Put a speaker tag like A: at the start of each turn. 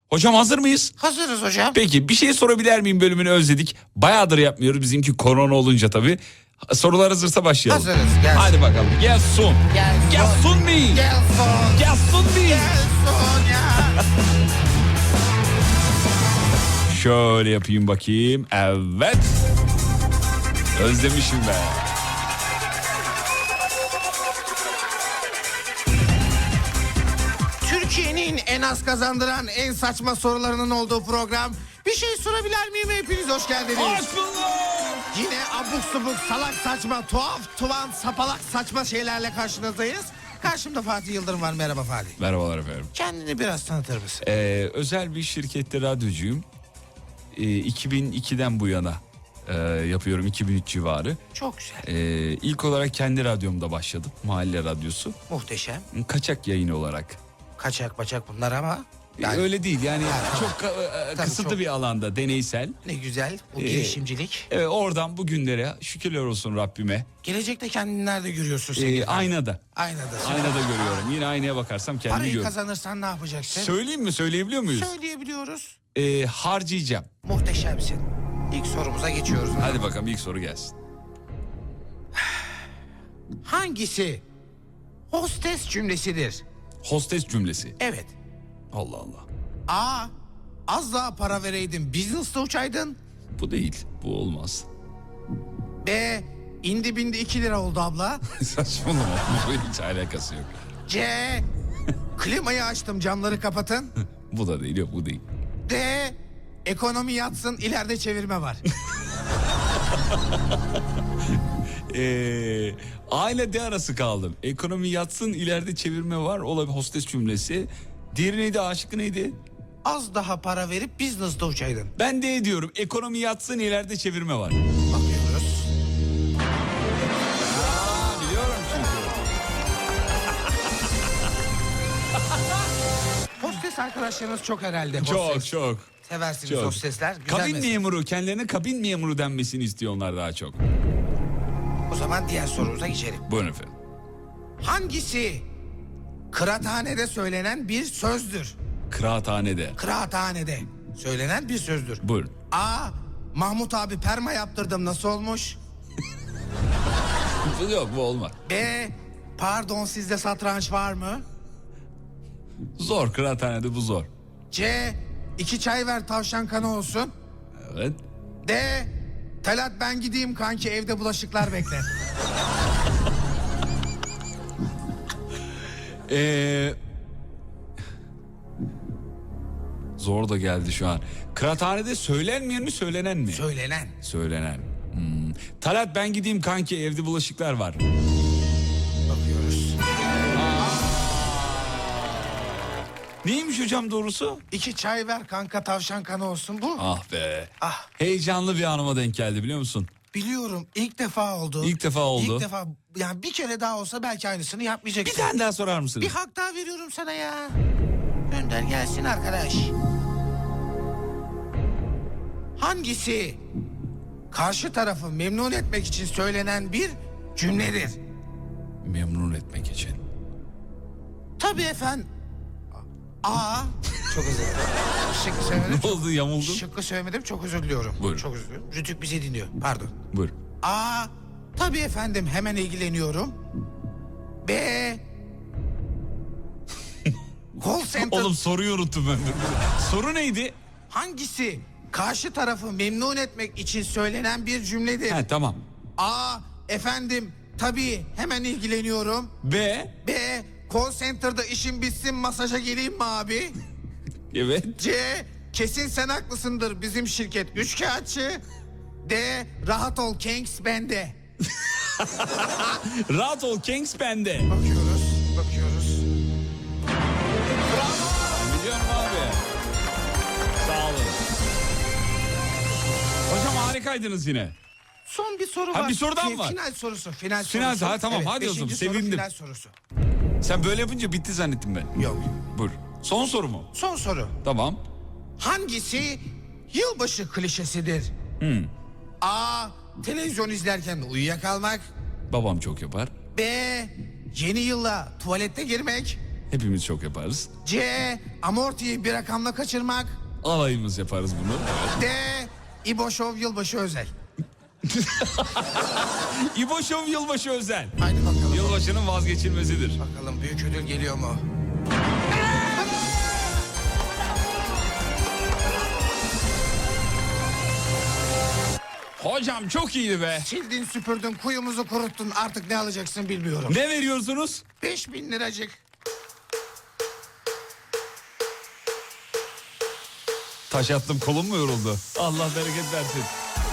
A: Hocam hazır mıyız?
B: Hazırız hocam.
A: Peki bir şey sorabilir miyim bölümünü özledik. Bayağıdır yapmıyoruz bizimki korona olunca tabii. Sorular hazırsa başlayalım.
B: Hazırız. Gelsin.
A: Hadi bakalım. Gelsin. Gelsin mi?
B: Gelsin.
A: Gelsin mi?
B: Gelsin ya.
A: Şöyle yapayım bakayım. Evet. Özlemişim be.
B: Türkiye'nin en az kazandıran en saçma sorularının olduğu program. Bir şey sorabilir miyim? Hepiniz hoş geldiniz. Yine abuk subuk, salak saçma, tuhaf, tuvan, sapalak saçma şeylerle karşınızdayız. Karşımda Fatih Yıldırım var. Merhaba Fatih.
A: Merhabalar efendim.
B: Kendini biraz tanıtır mısın?
A: Özel bir şirkette radyocuyum. 2002'den bu yana yapıyorum, 2003 civarı.
B: Çok güzel.
A: İlk olarak kendi radyomda başladım. Mahalle radyosu.
B: Muhteşem.
A: Kaçak yayın olarak.
B: Kaçak baçak bunlar ama. Yani
A: Öyle değil yani çok
B: Tabii
A: kısıtlı
B: çok.
A: bir alanda, deneysel.
B: ne güzel bu girişimcilik.
A: Evet, oradan bugünlere şükürler olsun Rabbime.
B: Gelecekte kendini nerede görüyorsun sevgili Fatih?
A: Aynada.
B: Aynada.
A: Aynada görüyorum. Yine aynaya bakarsam kendimi
B: Parayı
A: görüyorum.
B: kazanırsan ne yapacaksın?
A: Söyleyeyim mi? Söyleyebiliyor muyuz?
B: Söyleyebiliyoruz.
A: Harcayacağım.
B: Muhteşemsin. İlk sorumuza geçiyoruz.
A: Hadi bakalım ilk soru gelsin.
B: Hangisi hostes cümlesidir?
A: Hostes cümlesi.
B: Evet.
A: Allah Allah.
B: A. Az daha para vereydin business'ta uçaydın.
A: Bu değil. Bu olmaz.
B: B. İndi bindi 2 lira oldu abla.
A: Saçmalama. Bu hiç alakası yok.
B: C. Klimayı açtım camları kapatın.
A: Bu da değil. Yok bu değil.
B: D. Ekonomi yatsın ileride çevirme var.
A: A ile D arası kaldım. Ekonomi yatsın ileride çevirme var. Olabilir hostes cümlesi. Diğeri neydi? A şıkkı neydi?
B: Az daha para verip business'ta uçaydın.
A: Ben D diyorum. Ekonomi yatsın ileride çevirme var.
B: Bakıyoruz.
A: Biliyorum çünkü.
B: Hostes arkadaşlarınız çok herhalde.
A: Çok
B: Hostes.
A: çok.
B: Seversiniz
A: Çok.
B: hostesler. Güzel
A: Kabin
B: meslek.
A: memuru. Kendilerine kabin memuru denmesini istiyor onlar daha çok.
B: O zaman diğer sorumuza geçelim.
A: Buyurun efendim.
B: Hangisi kıraathanede söylenen bir sözdür?
A: Kıraathanede.
B: Kıraathanede söylenen bir sözdür.
A: Buyurun.
B: A. Mahmut abi perma yaptırdım nasıl olmuş?
A: Bu yok, bu olmaz.
B: B. Pardon sizde satranç var mı?
A: Zor, kıraathanede bu zor.
B: C. 2 çay ver tavşan kanı olsun.
A: Evet.
B: D. Talat ben gideyim kanki evde bulaşıklar bekler.
A: Zor da geldi şu an. Kıraathanede söylenmeyen mi söylenen mi?
B: Söylenen.
A: Söylenen. Talat ben gideyim kanki evde bulaşıklar var.
B: Bakıyoruz.
A: Neymiş hocam doğrusu?
B: 2 çay ver kanka tavşan kanı olsun bu.
A: Ah be.
B: Ah.
A: Heyecanlı bir anıma denk geldi biliyor musun?
B: Biliyorum ilk defa oldu.
A: İlk defa oldu.
B: İlk defa yani bir kere daha olsa belki aynısını
A: Bir
B: yapmayacaksın.
A: tane daha sorar mısınız?
B: Bir hak daha veriyorum sana ya. Gönder gelsin arkadaş. Hangisi karşı tarafı memnun etmek için söylenen bir cümledir?
A: Memnun etmek için.
B: Tabii efendim. A. Çok özür dilerim. Şıkkı söylemedim.
A: Ne oldu, yamuldun?
B: Şıkkı söylemedim çok özür diliyorum.
A: Buyurun.
B: Çok özür diliyorum. Rütük bizi dinliyor. Pardon.
A: Buyur.
B: A. Tabii efendim hemen ilgileniyorum. B. Call center.
A: Oğlum soruyu unuttum ben. Soru neydi?
B: Hangisi karşı tarafı memnun etmek için söylenen bir cümledir?
A: He tamam.
B: A. Efendim tabii hemen ilgileniyorum.
A: B.
B: B. Call center'da işim bitsin masaja geleyim mi abi?
A: Evet.
B: C. Kesin sen haklısındır bizim şirket üçkağıtçı. D. Rahat ol Kings bende.
A: Rahat ol Kings bende.
B: Bakıyoruz.
A: Biliyorum abi. Sağ olun. Hocam harikaydınız yine.
B: Son bir soru
A: Ha,
B: var.
A: bir soru daha mı var?
B: Final sorusu. Final
A: Final,
B: sorusu.
A: ha, tamam, hadi o zaman,
B: 5. soru
A: sevindim.
B: Final sorusu.
A: Sen böyle yapınca bitti zannettim ben.
B: Yok.
A: Buyur. Son soru mu?
B: Son soru.
A: Tamam.
B: Hangisi yılbaşı klişesidir? A. Televizyon izlerken uyuyakalmak.
A: Babam çok yapar.
B: B. Yeni yılla tuvalette girmek.
A: Hepimiz çok yaparız.
B: C. Amortiyi bir rakamla kaçırmak.
A: Alayımız yaparız bunu. Evet.
B: D. İbo Show yılbaşı özel.
A: İbo Show yılbaşı özel.
B: Haydi bakalım.
A: Yılbaşının vazgeçilmezidir.
B: Bakalım büyük ödül geliyor mu?
A: Hocam çok iyiydi be.
B: Sildin süpürdün kuyumuzu kuruttun artık ne alacaksın bilmiyorum.
A: Ne veriyorsunuz?
B: 5.000 liracık.
A: Taş attım, kolum mu yoruldu? Allah bereket versin.